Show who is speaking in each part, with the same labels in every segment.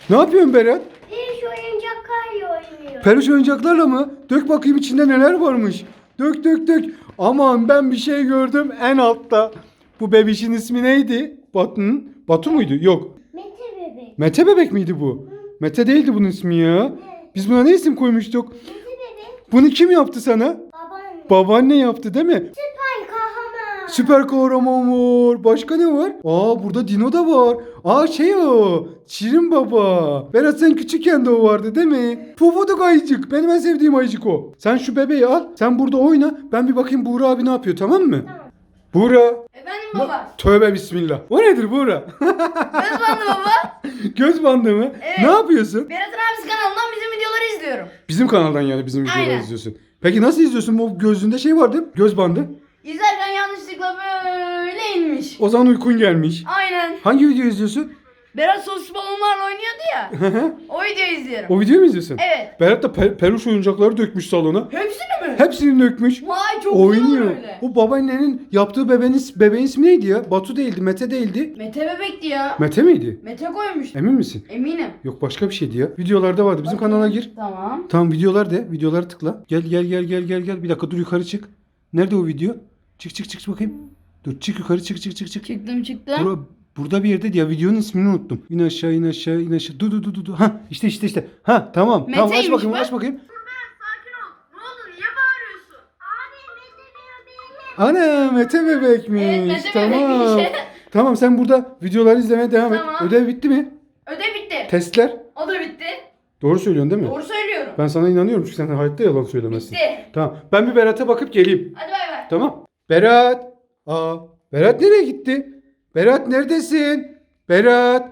Speaker 1: Ne yapıyorsun Berat?
Speaker 2: Peluş oyuncaklarla oynuyor.
Speaker 1: Peluş oyuncaklarla mı? Dök bakayım içinde neler varmış. Dök dök dök. Aman ben bir şey gördüm en altta. Bu bebişin ismi neydi? Batu muydu? Yok.
Speaker 2: Mete bebek.
Speaker 1: Mete bebek miydi bu? Mete değildi bunun ismi ya. Biz buna ne isim koymuştuk?
Speaker 2: Mete bebek.
Speaker 1: Bunu kim yaptı sana?
Speaker 2: Babaanne.
Speaker 1: Babaanne yaptı değil mi?
Speaker 2: Süper kahraman.
Speaker 1: Süper kahraman var. Başka ne var? Aa burada Dino da var. Aa şey o. Şirin Baba. Berat sen küçükken de o vardı değil mi? Pufuduk ayıcık. Benim en sevdiğim ayıcık o. Sen şu bebeği al. Sen burada oyna. Ben bir bakayım Buğra abi ne yapıyor, tamam mı?
Speaker 2: Tamam.
Speaker 1: Buğra.
Speaker 3: Efendim baba.
Speaker 1: Tövbe bismillah. O nedir Buğra?
Speaker 3: Göz bandı baba.
Speaker 1: Göz bandı mı?
Speaker 3: Evet.
Speaker 1: Ne yapıyorsun?
Speaker 3: Berat'ın abisi kanalından bizim videoları izliyorum.
Speaker 1: Bizim kanaldan yani bizim videoları
Speaker 3: Aynen.
Speaker 1: izliyorsun. Peki nasıl izliyorsun? O gözünde şey vardı. Göz bandı.
Speaker 3: İzlerken yanlışlıkla böyle inmiş.
Speaker 1: O zaman uykun gelmiş.
Speaker 3: Aynen.
Speaker 1: Hangi video izliyorsun?
Speaker 3: Berat sos balonlarla oynuyordu ya. O videoyu izliyorum.
Speaker 1: O videoyu mu izliyorsun?
Speaker 3: Evet.
Speaker 1: Berat da peluş oyuncakları dökmüş salona.
Speaker 3: Hepsini mi?
Speaker 1: Hepsini dökmüş.
Speaker 3: Vay çok güzel
Speaker 1: Oynuyor.
Speaker 3: olur öyle.
Speaker 1: O babaannenin yaptığı bebeğin ismi neydi ya? Batu değildi, Mete değildi.
Speaker 3: Mete bebekti ya.
Speaker 1: Mete miydi?
Speaker 3: Mete koymuş.
Speaker 1: Emin misin?
Speaker 3: Eminim.
Speaker 1: Yok başka bir şeydi ya. Videolarda vardı. Bizim kanala gir.
Speaker 3: Tamam.
Speaker 1: Tamam videolar de. Videoları tıkla. Gel gel gel gel gel gel. Bir dakika dur yukarı çık. Nerede o video? Çık çık çık bakayım. Dur çık yukarı çık çık çık çık.
Speaker 3: Çıktım.
Speaker 1: Burada bir yerde ya videonun ismini unuttum. İn aşağı in aşağı in aşağı. Dur dur dur dur. Ha işte. Ha tamam. Tamam aç
Speaker 3: Meteymiş
Speaker 1: bakayım
Speaker 3: bu.
Speaker 1: aç bakayım.
Speaker 3: Sakin ol. Ne oldu? Niye bağırıyorsun?
Speaker 2: Abi Mete bebeğim.
Speaker 1: Ana Mete bebekmiş.
Speaker 3: Evet, Mete
Speaker 1: tamam.
Speaker 3: bebekmiş.
Speaker 1: Tamam sen burada videoları izlemeye devam et.
Speaker 3: Tamam.
Speaker 1: Ödev bitti mi?
Speaker 3: Ödev bitti.
Speaker 1: Testler.
Speaker 3: O da bitti.
Speaker 1: Doğru söylüyorsun değil mi?
Speaker 3: Doğru söylüyorum.
Speaker 1: Ben sana inanıyorum çünkü sen hayatta yalan söylemezsin.
Speaker 3: Bitti.
Speaker 1: Tamam. Ben bir Berat'a bakıp geleyim.
Speaker 3: Hadi bay bay.
Speaker 1: Tamam. Berat. Berat nereye gitti? Berat neredesin? Berat.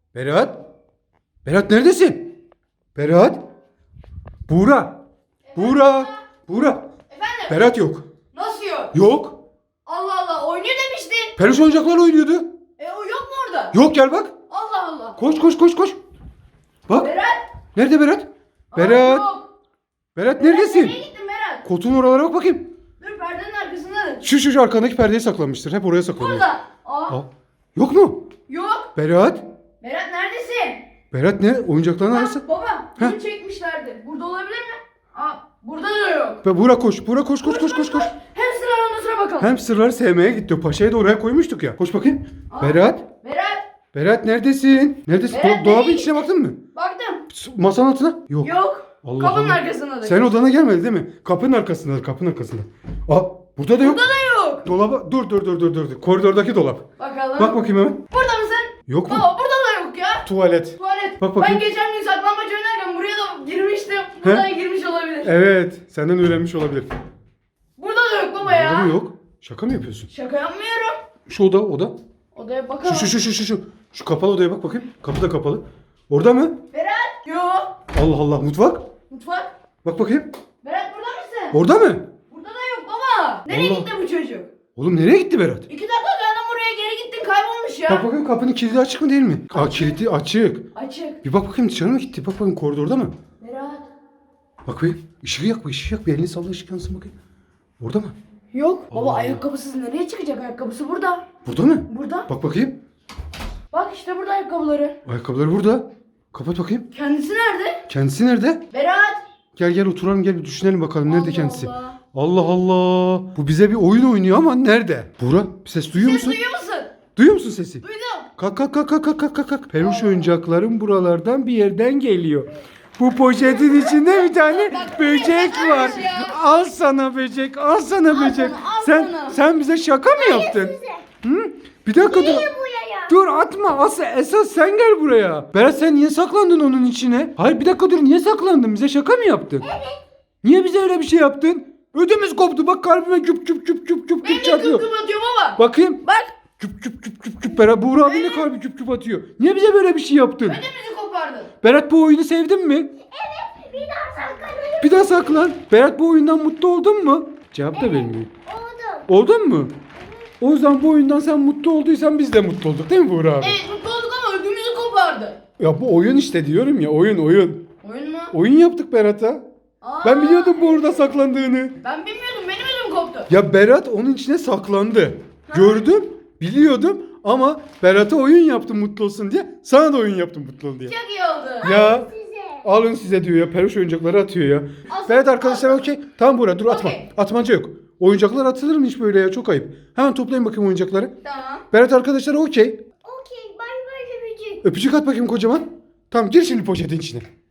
Speaker 1: Berat neredesin? Berat. Buğra. Buğra.
Speaker 3: Efendim?
Speaker 1: Berat yok.
Speaker 3: Nasıl yok?
Speaker 1: Yok.
Speaker 3: Allah Allah oynuyor demiştin.
Speaker 1: Peluş oyuncaklar oynuyordu.
Speaker 3: O yok mu orada?
Speaker 1: Yok gel bak.
Speaker 3: Allah Allah.
Speaker 1: Koş. Bak.
Speaker 3: Berat.
Speaker 1: Nerede Berat?
Speaker 3: Aa,
Speaker 1: Berat.
Speaker 3: yok.
Speaker 1: Berat neredesin?
Speaker 3: Nereye gittin Berat?
Speaker 1: Koltuğun oralara bak bakayım.
Speaker 3: Dur perdenin arkasındadır.
Speaker 1: Şu arkandaki perdeye saklanmıştır. Hep oraya saklanıyor.
Speaker 3: Burada. Aa.
Speaker 1: Yok mu?
Speaker 3: Yok.
Speaker 1: Berat.
Speaker 3: Berat neredesin?
Speaker 1: Berat ne? Oyuncakların arası.
Speaker 3: Baba.
Speaker 1: Heh.
Speaker 3: Bunu çekmişlerdi. Burada olabilir mi? Burada da yok.
Speaker 1: Buğra koş. Koş.
Speaker 3: Hem sıralarına sıra bakalım.
Speaker 1: Hem sırları sevmeye gitti. Paşayı da oraya koymuştuk ya. Koş bakayım. Berat. Berat neredesin? Neredesin?
Speaker 3: Berat
Speaker 1: Dolabın
Speaker 3: nereye
Speaker 1: içine baktın mı?
Speaker 3: Baktım.
Speaker 1: Masanın altına? Yok.
Speaker 3: Yok.
Speaker 1: Allah
Speaker 3: Kapının
Speaker 1: Allah.
Speaker 3: arkasındadır.
Speaker 1: Sen odana gelmedi değil mi? Kapının arkasında. Burada da yok.
Speaker 3: Burada da yok.
Speaker 1: Dolaba dur. Koridordaki dolap.
Speaker 3: Bakalım.
Speaker 1: Bak bakayım hemen.
Speaker 3: Burada mısın?
Speaker 1: Yok mu?
Speaker 3: Baba burada da yok ya.
Speaker 1: Tuvalet.
Speaker 3: Tuvalet.
Speaker 1: Bak bakayım.
Speaker 3: Ben geçen gün saklambaç oynarken buraya da girmiştim. Buradan girmiş olabilir.
Speaker 1: Evet. Senden öğrenmiş olabilir.
Speaker 3: Burada da yok baba ya.
Speaker 1: Burada mı yok? Şaka mı yapıyorsun?
Speaker 3: Şaka yapmıyorum.
Speaker 1: Şu oda.
Speaker 3: Odaya bakalım.
Speaker 1: Şu. Şu kapalı odaya bak bakayım. Kapı da kapalı. Orada mı?
Speaker 3: Berat. Yok.
Speaker 1: Allah Allah. Mutfak.
Speaker 3: Mutfak.
Speaker 1: Bak bakayım.
Speaker 3: Berat burada mısın?
Speaker 1: Orada mı?
Speaker 3: Burada da yok baba. Nereye
Speaker 1: Allah.
Speaker 3: gitti bu çocuk?
Speaker 1: Oğlum nereye gitti Berat?
Speaker 3: 2 dakika geldim buraya geri gittin kaybolmuş ya.
Speaker 1: Bak bakayım kapının kilidi açık mı değil mi? Kilidi açık.
Speaker 3: Açık.
Speaker 1: Bir bak bakayım dışarı mı gitti? Bak bakayım koridorda mı?
Speaker 3: Berat.
Speaker 1: Bak bakayım. Işığı yak. Bir elini salla ışık yansın bakayım. Orada mı?
Speaker 3: Yok. Baba
Speaker 1: Allah.
Speaker 3: ayakkabısız nereye çıkacak? Ayakkabısı burada.
Speaker 1: Burada mı?
Speaker 3: Burada.
Speaker 1: Bak bakayım.
Speaker 3: Bak işte burada ayakkabıları.
Speaker 1: Ayakkabıları burada. Kapat bakayım.
Speaker 3: Kendisi nerede?
Speaker 1: Kendisi nerede?
Speaker 3: Berat.
Speaker 1: Gel oturalım bir düşünelim bakalım nerede
Speaker 3: Allah
Speaker 1: kendisi.
Speaker 3: Allah.
Speaker 1: Allah Allah. Bu bize bir oyun oynuyor ama nerede? Buğra bir ses duyuyor
Speaker 3: Ses
Speaker 1: musun?
Speaker 3: duyuyor musun?
Speaker 1: Duyuyor musun sesi?
Speaker 3: Duydum.
Speaker 1: Kalk. Peluş oyuncakların buralardan bir yerden geliyor. Bu poşetin içinde bir tane böcek var. Al sana böcek.
Speaker 3: Al sana.
Speaker 1: Sen sen bize şaka mı yaptın? Hı? Bir dakika dur.
Speaker 2: Buraya.
Speaker 1: Dur atma. Esas sen gel buraya. Berat sen niye saklandın onun içine? Hayır bir dakika dur. Niye saklandın? Bize şaka mı yaptın? Evet. Niye bize öyle bir şey yaptın? Ödümüz koptu. Bak kalbime küp
Speaker 3: Benim de
Speaker 1: çarpıyor.
Speaker 3: kıkkım atıyor baba.
Speaker 1: Bakayım.
Speaker 3: Bak.
Speaker 1: Küp. Berat Buğra abinin de kalbi küp atıyor. Niye bize böyle bir şey yaptın?
Speaker 3: Ödümüzü kopardın.
Speaker 1: Berat bu oyunu sevdin mi?
Speaker 2: Bir daha saklanayım.
Speaker 1: Bir daha saklan. Berat bu oyundan mutlu oldun mu? Cevap da vermiyor.
Speaker 2: Oldum.
Speaker 1: Oldun mu? O yüzden bu oyundan sen mutlu olduysan biz de mutlu olduk değil mi Buğra abi?
Speaker 3: Evet mutlu olduk ama ödümüzü kopardı.
Speaker 1: Ya bu oyun işte diyorum ya oyun.
Speaker 3: Oyun mu?
Speaker 1: Oyun yaptık Berat'a.
Speaker 3: Aa,
Speaker 1: Ben biliyordum bu orada saklandığını.
Speaker 3: Ben bilmiyordum benim ödüm koptu.
Speaker 1: Ya Berat onun içine saklandı. Gördüm, biliyordum Ama Berat'a oyun yaptım mutlu olsun diye. Sana da oyun yaptım mutlu ol diye.
Speaker 3: Çok iyi oldu.
Speaker 1: Ya
Speaker 2: Size.
Speaker 1: alın size diyor ya. Peluş oyuncakları atıyor ya.
Speaker 3: Olsun,
Speaker 1: Berat arkadaşlar
Speaker 3: olsun.
Speaker 1: okey. Tamam Buğra dur atma.
Speaker 3: Okey.
Speaker 1: Atmaca yok. Oyuncaklar atılır mı hiç böyle ya? Çok ayıp. Hemen toplayın bakayım oyuncakları.
Speaker 3: Tamam.
Speaker 1: Berat arkadaşlar okey.
Speaker 2: Okey. Bay bay öpücük.
Speaker 1: Öpücük at bakayım kocaman. Tamam gir şimdi poşetin içine.